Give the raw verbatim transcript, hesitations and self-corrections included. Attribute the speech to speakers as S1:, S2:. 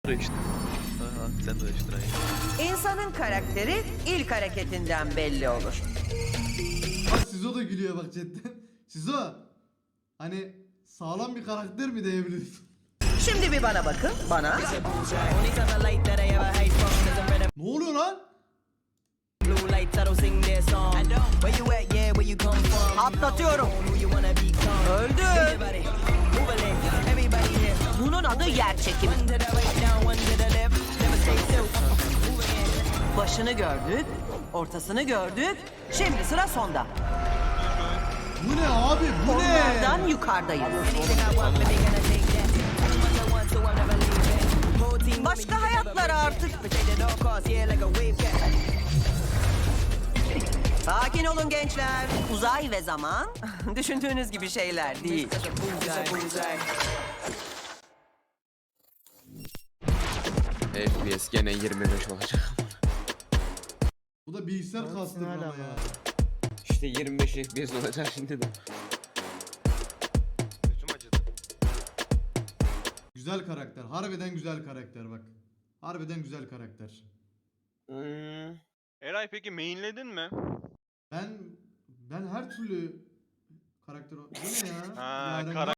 S1: işte. Aha, sen de işte aynı.
S2: İnsanın karakteri ilk hareketinden belli olur.
S3: Bak Sizo da gülüyor bak chatten. Sizo. Hani sağlam bir karakter mi diyebiliriz?
S2: Şimdi bir bana bakın, bana.
S3: Ne oluyor lan?
S2: Atlatıyorum. Öldü. Bunun adı yer çekimi. Başını gördük, ortasını gördük. Şimdi sıra sonda.
S3: Bu ne abi? Bu ne?
S2: Onlardan yukarıdayız. Başka hayatlar artık. Sakin olun gençler. Uzay ve zaman düşündüğünüz gibi şeyler değil.
S4: F P S gene yirmi beş olacak.
S3: Bu da bilgisayar kastı bana ya.
S4: İşte yirmi beş F P S olacak şimdi de.
S1: Gözüm acıdı.
S3: Güzel karakter. Harbiden güzel karakter bak. Harbiden güzel karakter.
S4: Hmm.
S1: Eray peki mainledin mi?
S3: Ben ben her türlü karakter... Bu ne ya?
S1: Ha,
S3: Yaren-
S1: karakter.